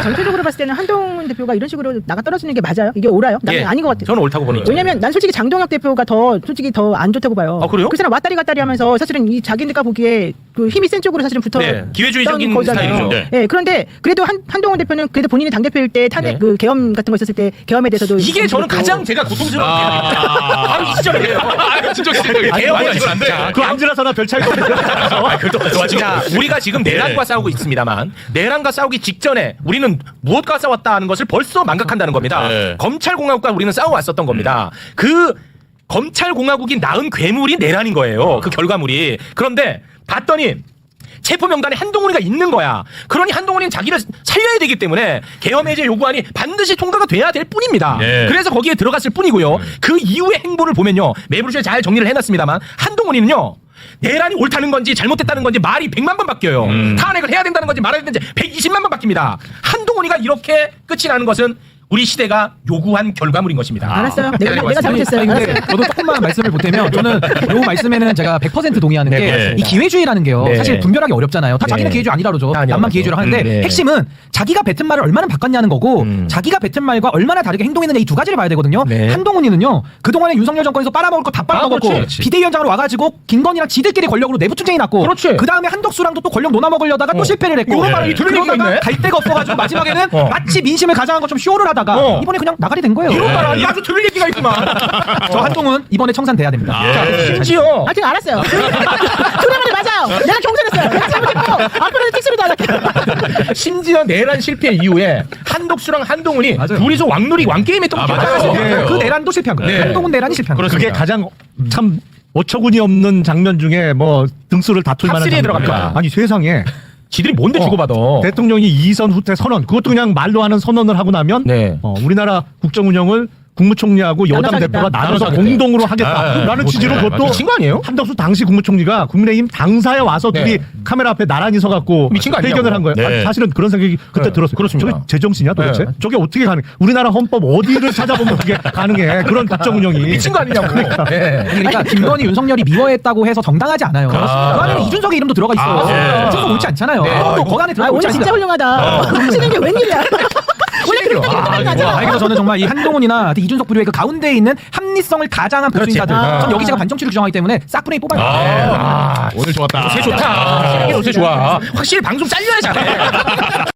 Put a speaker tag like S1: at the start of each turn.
S1: 전체적으로 봤을 때는 한동훈 대표가 이런 식으로 나가 떨어지는 게 맞아요? 이게 옳아요? 나는 아닌 것 같아요.
S2: 저는 옳다고 보는 거예요.
S1: 왜냐면 난 솔직히 장동혁 대표가 솔직히 더 안 좋다고 봐요.
S2: 아, 그래요?
S1: 그 사람 왔다리 갔다리 하면서 사실은 이 자기네가 보기에 그 힘이 센 쪽으로 사실은 붙어
S2: 기회주의적인 스타일이죠.
S1: 네. 그런데 그래도 한동훈 대표는 그래도 본인이 당대표일 때 탄핵 그 계엄 같은 거 있었을 때 계엄에 대해서도
S2: 이게 저는 가장 제가 고통스러운 바로 이 시절이에요. 진짜
S3: 그 암지라서나 별 차이가 없는데.
S2: 자, 우리가 지금 내란과 싸우고 있습니다만 내란과 싸우기 직전에 우리는 무엇과 싸웠다 하는 것을 벌써 망각한다는 겁니다. 검찰공화국과 우리는 싸워왔었던 겁니다. 그 검찰공화국이 낳은 괴물이 내란인 거예요. 그 결과물이. 그런데 봤더니 체포명단에 한동훈이가 있는 거야. 그러니 한동훈이는 자기를 살려야 되기 때문에 계엄해제 요구안이 반드시 통과가 돼야 될 뿐입니다. 그래서 거기에 들어갔을 뿐이고요. 그 이후의 행보를 보면요. 매부쇼에 잘 정리를 해놨습니다만 한동훈이는요. 내란이 옳다는 건지 잘못됐다는 건지 말이 100만 번 바뀌어요. 탄핵을 해야 된다는 건지 말아야 되는지 120만 번 바뀝니다. 한동훈이가 이렇게 끝이 나는 것은 우리 시대가 요구한 결과물인 것입니다.
S1: 알았어요. 내가 잘못했어요.
S4: 근데 저도 조금만 말씀을 보태면 저는 요 말씀에는 제가 100% 동의하는 게 이 기회주의라는 게요. 사실 분별하기 어렵잖아요. 다 자기는 기회주의 아니라 그러죠. 남만 기회주의를 하는데 핵심은 자기가 뱉은 말을 얼마나 바꿨냐는 거고 자기가 뱉은 말과 얼마나 다르게 행동했느냐 이 두 가지를 봐야 되거든요. 한동훈이는요. 그동안에 윤석열 정권에서 빨아먹을 거 다 빨아먹었고 비대위원장으로 와가지고 김건희랑 지들끼리 권력으로 내부 투쟁이 났고 그 다음에 한덕수랑도 또 권력 논아먹으려다가 또 실패를 했고 그러다가 갈 데가 없어가지고 마지막에는 마치 민심을 가장한 것처럼 쇼를 하다가 이번에 그냥 나가리 된 거예요.
S2: 이런 말 아주 들을 얘기가 있구만.
S4: 저 한동훈 이번에 청산돼야 됩니다.
S2: 심지어
S1: 하여튼 알았어요. 조례문이 맞아요. 내가 경선했어요. 내가 잘못했고 앞으로는 틱스로도 안 할게요.
S2: 심지어 내란 실패 이후에 한덕수랑 한동훈이 둘이서 왕게임 했던 거
S4: 맞아요. 그 내란도 실패한 거예요. 한동훈 내란이 실패한 거예요.
S3: 그게 가장 참 어처구니 없는 장면 중에 뭐 등수를 다툴 만한
S2: 탑3에 들어갑니다.
S3: 아니 세상에
S2: 지들이 뭔데 주고받아.
S3: 대통령이 이선 후퇴 선언 그것도 그냥 말로 하는 선언을 하고 나면 우리나라 국정 운영을 국무총리하고 여당 대표가 나눠서 공동으로 하겠다라는 취지로 그것도
S2: 미친 거 아니에요?
S3: 한덕수 당시 국무총리가 국민의힘 당사에 와서 둘이 카메라 앞에 나란히 서갖고
S2: 미친 거 아니냐고.
S3: 회견을 한 거예요. 아니, 사실은 그런 생각이 그때 들었어요.
S2: 그렇습니다.
S3: 저게 제정신이야 도대체? 저게 어떻게 가능? 우리나라 헌법 어디를 찾아보면 그게 가능해? 그런 국정 운영이
S2: 미친 거 아니냐고.
S4: 그러니까 김건희, 윤석열이 미워했다고 해서 정당하지 않아요. 그 안에 이준석의 이름도 들어가 있어. 이준석 옳지 않잖아요. 또 거기 안에 들어가 있지
S1: 오늘 진짜
S4: 않습니다.
S1: 훌륭하다. 하시는 게 웬일이야. 원래 그렇게 하잖아.
S4: 그래서 저는 정말 이 한동훈이나 이준석 부류의 그 가운데에 있는 합리성을 가장한 보수인사들. 전 여기 제가 반정치를 규정하기 때문에 싹분의 뽑아요.
S2: 오늘 좋았다. 요새 좋다. 요새 좋아. 확실히 방송 잘려야 잘해.